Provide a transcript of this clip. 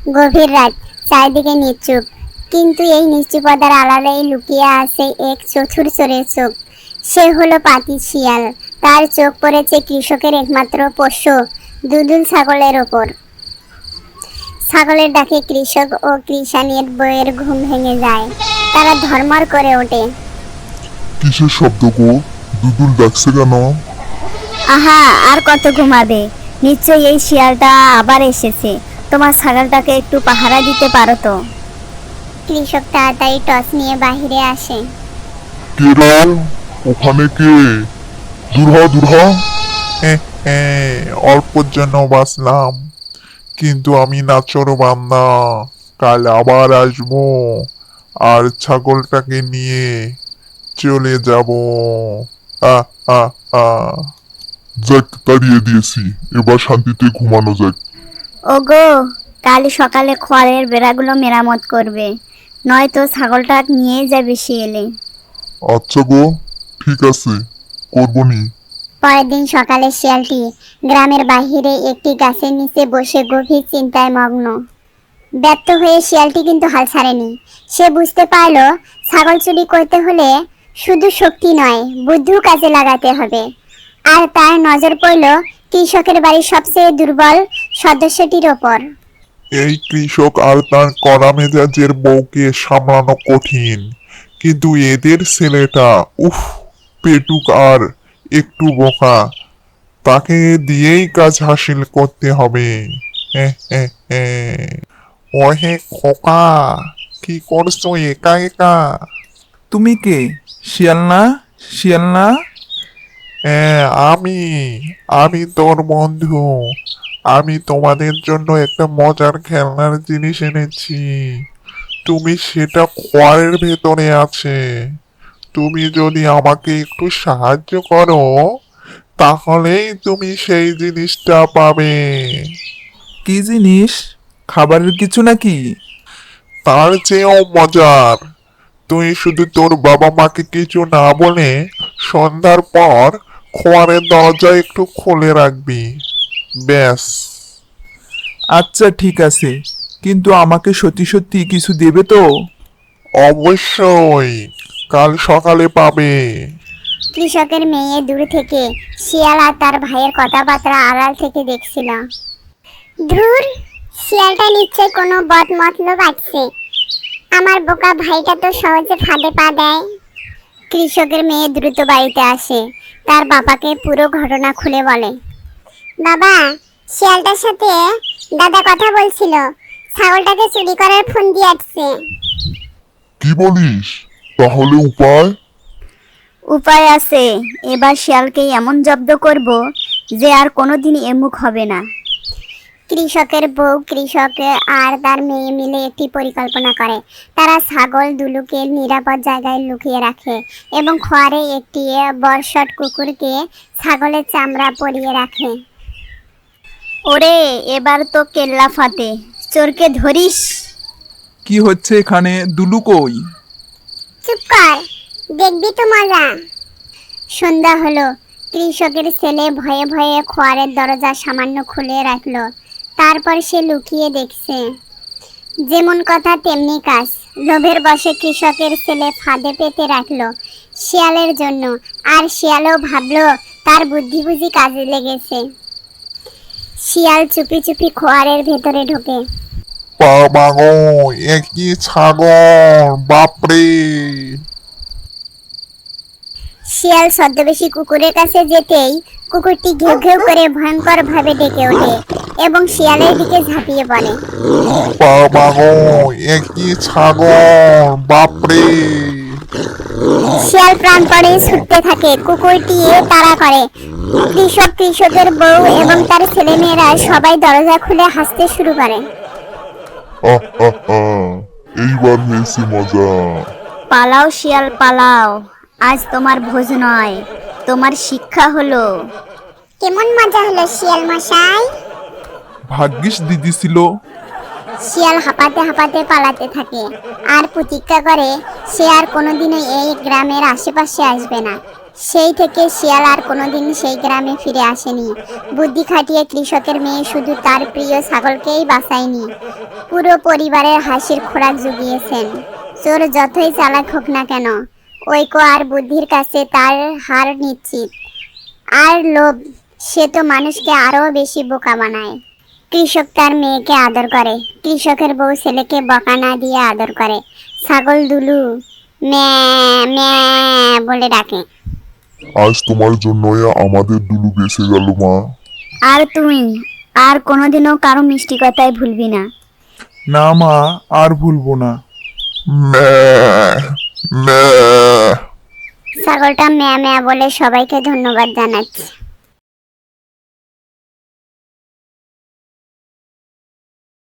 গভীর রাত, চারিদিকে নিশ্চুপ, কিন্তু এই নিশ্চুপতার আড়ালেই লুকিয়ে আছে এক চতুর চোরের চোখ। সে হলো পাতি শিয়াল। তার চোখ পড়েছে কৃষকের একমাত্র পোষ্য দুদুল ছাগলের ওপর। ছাগলের ডাকে কৃষক ও কৃষাণীর বইয়ের ঘুম ভেঙে যায়। তারা ধর্মর করে ওঠে। কিসের শব্দ গো? দুদুল ডাকছে কেন? আহা, আর কত ঘুমাবে? নিশ্চয়ই এই শিয়ালটা আবার এসেছে। তোমার ছাগলটাকে একটু পাহারা দিতে পারো তো? কৃষক তাড়াতাড়ি টর্চ নিয়ে বাহিরে আসে। কে রে? ওখানে কে? দূর হ। অল্পর জন্য বাঁচলাম, কিন্তু আমি নাচরবান্দা। কাল আবার আসবো আর ছাগলটাকে নিয়ে চলে যাব। আহ আহ আহ যাক, তাড়িয়ে দিয়েছি, এবার শান্তিতে ঘুমানো যাক। ওগো, কাল সকালে খড়ের বেড়াগুলো মেরামত করবে, নয়তো ছাগলটা নিয়ে যাবে শিয়ালে। আচ্ছা গো, ঠিক আছে, করবনি। পরের দিন সকালে শিয়ালটি গ্রামের বাহিরে একটি গাছের নিচে বসে গভীর চিন্তায় মগ্ন। ব্যর্থ হয়ে শিয়ালটি কিন্তু হাল ছাড়েনি। সে বুঝতে পারল, ছাগল চুরি করতে হলে শুধু শক্তি নয়, বুদ্ধিও কাজে লাগাতে হবে। আর তার নজর পড়ল কৃষকের বাড়ির সবচেয়ে দুর্বল সদস্যটির ওপর। এই কৃষক আর তার কড়া মেজাজের বউকে সামলানো কঠিন, কিন্তু এদের ছেলেটা উফ, পেটুক আর একটু বোকা। তাকে দিয়েই কাজ হাসিল করতে হবে। ওহে খোকা, কি করছো একা একা? তুমি কে? শিয়াল না? শিয়াল না? হ্যাঁ, আমি আমি তোর বন্ধু। আমি তোমাদের জন্য একটা মজার খেলনার জিনিস এনেছি। তুমি সেটা খোয়ারের ভেতরে আছে। তুমি যদি আমাকে একটু সাহায্য করো, তাহলেই তুমি সেই জিনিসটা পাবে। কি জিনিস? খাবারের কিছু নাকি? তার চেয়েও মজার। তুই শুধু তোর বাবা মাকে কিছু না বলে সন্ধ্যার পর খোয়ারের দরজা একটু খুলে রাখবি, ব্যাস। আচ্ছা ঠিক আছে, কিন্তু আমাকে সত্যি সত্যি কিছু দেবে তো? অবশ্যই, কাল সকালে পাবে। কৃষকের মেয়ে দূর থেকে শিয়াল আর তার ভাইয়ের কথাবার্তা আড়াল থেকে দেখছিল। ধুর, শিয়ালটা নিশ্চয় কোনো বদ মতলব আছে। আমার বোকা ভাইটা তো সহজে ফাঁদে পা দেয়। কৃষকের মেয়ে দ্রুত বাড়িতে আসে, তার বাবাকে পুরো ঘটনা খুলে বলে। বাবা, শিয়ালটার সাথে দাদা কথা বলছিল, ছাগলটাকে চুরি করার ফোন দিয়ে আসছে। কি বলিস? তাহলে উপায়? উপায় আছে। এবার শিয়ালকে এমন জব্দ করব যে আর কোনোদিন এমুখ হবে না। কৃষকের বউ, কৃষক আর তার মেয়ে মিলে একটি পরিকল্পনা করে। তারা ছাগল দুলুকে নিরাপদ জায়গায় লুকিয়ে রাখে এবং খোয়ারে একটি বর্ষট কুকুরকে ছাগলের চামড়া পরিয়ে রাখে। ওরে, এবার তো কেল্লা ফাতে, চোরকে ধরিস। কি হচ্ছে এখানে? দুলু কই? চুপ কর, দেখবি তো মজা। সন্ধ্যা হলো। কৃষকের ছেলে ভয়ে ভয়ে খোয়ারের দরজা সামান্য খুলে রাখলো। তারপর সে লুকিয়ে দেখছে। যেমন কথা তেমনি কাজ। লোভের বশে কৃষকের ছেলে ফাঁদে পেতে রাখলো শিয়ালের জন্য, আর শিয়ালও ভাবলো তার বুদ্ধি বুঝি কাজে লেগেছে। শিয়াল চুপি চুপি খোয়ারের ভেতরে ঢোকে। বাবা গো, একই ছাগল, বাপরে! শিয়াল ছদ্মবেশী কুকুরের কাছে যেতেই কুকুরটি ঘেউ ঘেউ করে ভয়ঙ্কর ভাবে ডেকে ওঠে এবং শিয়ালের দিকে ঝাঁপিয়ে পড়ে। বাবা গো, একই ছাগল, বাপরে! শিয়াল প্রাণপণে ছুটতে থাকে, কুকুরটি তাড়া করে। কৃষকের বউ এবং তার ছেলেমেয়েরা সবাই দরজা খুলে হাসতে শুরু করে। আহ আহ আহ, এইবার হয়েছে মজা। পালাও শিয়াল পালাও, আজ তোমার ভোজ নয়, তোমার শিক্ষা হলো। কেমন মজা হলো শিয়াল মশাই? ভাগ্যিস দিদি ছিল। শিয়াল হাঁপাতে হাঁপাতে পালাতে থাকে আর প্রতিজ্ঞা করে সে আর কোনোদিনও এই গ্রামের আশেপাশে আসবে না। সেই থেকে শিয়াল আর কোনোদিন সেই গ্রামে ফিরে আসেনি। বুদ্ধি খাটিয়ে কৃষকের মেয়ে শুধু তার প্রিয় ছাগলকেই বাঁচায়নি, পুরো পরিবারের হাসির খোরাক জুগিয়েছেন। চোর যতই চালাক হোক না কেন, ঐক্য আর বুদ্ধির কাছে তার হার নিশ্চিত। আর লোভ, সে তো মানুষকে আরো বেশি বোকা বানায়। কৃষক তার মেয়েকে আদর করে, কৃষকের বউ ছেলেকে বকা না দিয়ে আদর করে। ছাগল দুলু ম্যা ম্যা বলে ডাকে। আজ তোমার জন্যই আমাদের দুলু বেঁচে গেল মা। আর তুই আর কোনোদিনও কারো মিষ্টি কথায় ভুলবি না। না মা, আর ভুলবো না। ম্যাঁ, ম্যাঁ। ছাগলটা ম্যা ম্যা বলে সবাইকে ধন্যবাদ জানাচ্ছে।